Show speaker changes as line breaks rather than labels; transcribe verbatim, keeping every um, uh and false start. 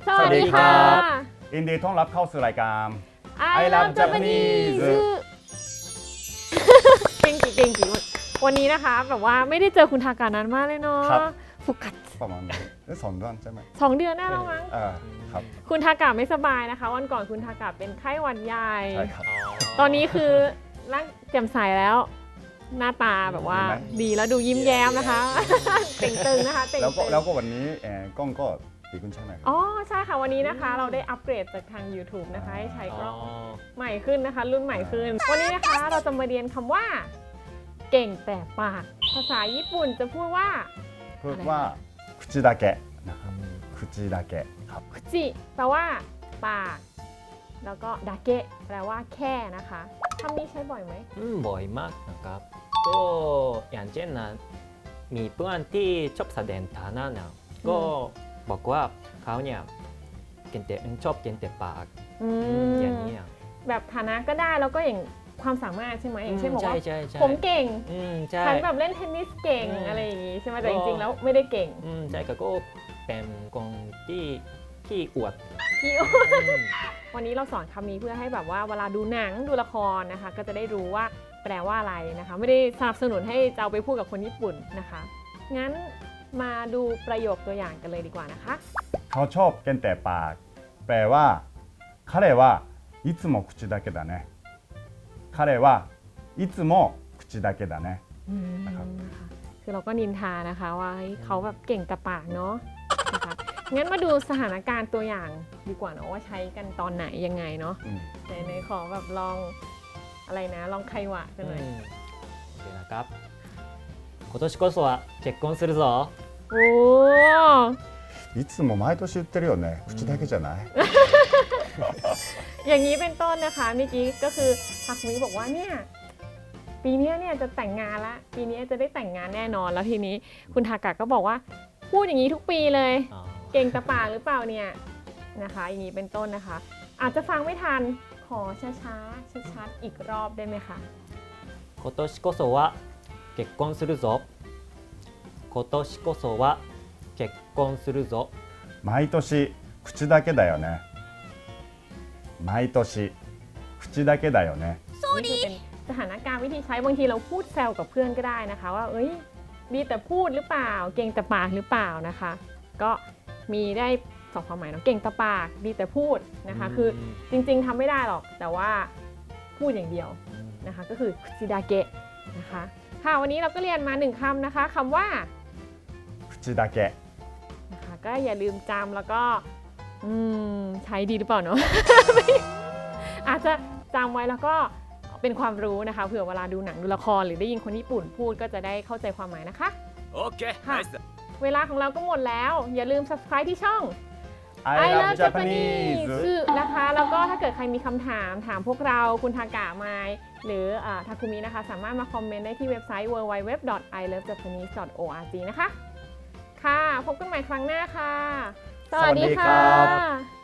สวัสดีครับ
ยินดีต้อนรับเข้าสู่รายการ
I love Japanese เก่งจีเก่งจีวันนี้นะคะแบบว่าไม่ได้เจอคุณทากานานมากเลยเนาะฟุกัด
ประมาณสองเดือนใช่ไหม
สองเดือนได้แล้วมั้ง
ครับ
คุณทากาไม่สบายนะคะวันก่อนคุณทากาเป็นไข้หวัดใหญ่
ใช่ครับ
ตอนนี้คือร่างแจ่มใสแล้วหน้าตาแบบว่าดีแล้วดูยิ้มแย้มนะคะเต่งตึงนะคะเต่ง
แล้วก็แล้วก็วันนี้กล้องก็ดีขึ้นใช่ไหม
อ๋อใช่ค่ะวันนี้นะคะเราได้อัปเกรดจากทาง YouTube นะคะให้ใช้กล้องใหม่ขึ้นนะคะรุ่นใหม่ขึ้นวันนี้นะคะเราจะมาเรียนคำว่าเก่งแต่ปากภาษาญี่ปุ่นจะพูดว่า
พูดว่าคุจิดาเกะนะครับคุจิดาเกะครับ
คุจิแปลว่าปากแล้วก็ดาเกะแปลว่าแค่นะคะคำนี้ใช้บ่อยไหม
อืมบ่อยมากนะครับก็อย่างเช่นนะมีเพื่อนที่ชอบแสดงฐานะนะก็บอกว่าเขาเนี่ยเก่งแต่ชอบเก่งแต่ปากอย่างนี้
แบบฐานะก็ได้แล้วก็อย่างความสามารถใช่ไหมอย่างเช่นบอกว่า
ผ
มเก่งฉันแบบเล่นเทนนิสเก่งอะไรอย่างนี้ใช่ไหมแต่จริงๆแล้วไม่ได้เก่ง
ใช่ก็เป็นคนที่ขี้อวด
ขี้อวดวันนี้เราสอนคำนี้เพื่อให้แบบว่าเวลาดูหนังดูละครนะคะก็จะได้รู้ว่าแปลว่าอะไรนะคะไม่ได้สนับสนุนให้จะเอาไปพูดกับคนญี่ปุ่นนะคะงั้นมาดูประโยคตัวอย่างกันเลยดีกว่านะคะ
เขาชอบเก่งแต่ปากแปลว่า彼はいつも口だけだね彼はいつも口だけだね
นะครับคือเราก็นินทานะคะว่าเขาแบบเก่งแต่ปากเนาะนะคะงั้นมาดูสถานการณ์ตัวอย่างดีกว่าเนาะว่าใช้กันตอนไหนยังไงเนาะในขอแบบลองอะไรนะลองไขวะกันหน่อย
โอเคนะครับ今年こそは結婚するぞ
โอ้
いつも毎年言ってるよね口だけじゃない
อย่างนี้เป็นต้นนะคะเมื่อกี้ก็คือทาคุมิบอกว่าเนี่ยปีนี้เนี่ยจะแต่งงานละปีนี้จะได้แต่งงานแน่นอนแล้วทีนี้คุณทากะก็บอกว่าพูดอย่างนี้ทุกปีเลยเก่งตะปากหรือเปล่าเนี่ยนะคะอย่างนี้เป็นต้นนะคะอาจจะฟังไม่ทันขอช้าๆชัดๆอีกรอบได้ไหมคะ
今年こそは結婚するぞ今年こそは結婚するぞ
毎年口だけだよね毎年口だけだよね
นี่คือเป็นสถานการณ์วิธีใช้บางทีเราพูดแซวกับเพื่อนก็ได้นะคะว่าเอ้ยดีแต่พูดหรือเปล่าเก่งแต่ปากหรือเปล่านะคะก็มีได้สองความหมายเนาะเก่งแต่ปากดีแต่พูดนะคะคือจริงๆทำไม่ได้หรอกแต่ว่าพูดอย่างเดียวนะคะก็คือคุจิดาเกะนะคะค่ะวันนี้เราก็เรียนมาหนึ่งคำนะคะคำว่า
คุจิดาเกะ
นะคะก็อย่าลืมจำแล้วก็อืมใช้ดีหรือเปล่าเนาะ อาจจะจำไว้แล้วก็เป็นความรู้นะคะเผื่อเวลาดูหนังดูละครหรือได้ยินคนญี่ปุ่นพูดก็จะได้เข้าใจความหมายนะคะ
โอเค
ค่ะเวลาของเราก็หมดแล้วอย่าลืม Subscribe ที่ช่อง
I love Japanese
นะคะแล้วก็ถ้าเกิดใครมีคำถามถามพวกเราคุณทากะไมหรือทาคุมินะคะสามารถมาคอมเมนต์ได้ที่เว็บไซต์ ดับเบิลยู ดับเบิลยู ดับเบิลยู ดอท ไอ เลิฟ จัปานีส ดอท โอ อาร์ จี นะคะค่ะพบกันใหม่ครั้งหน้าค่ะสวัสดีค่ะ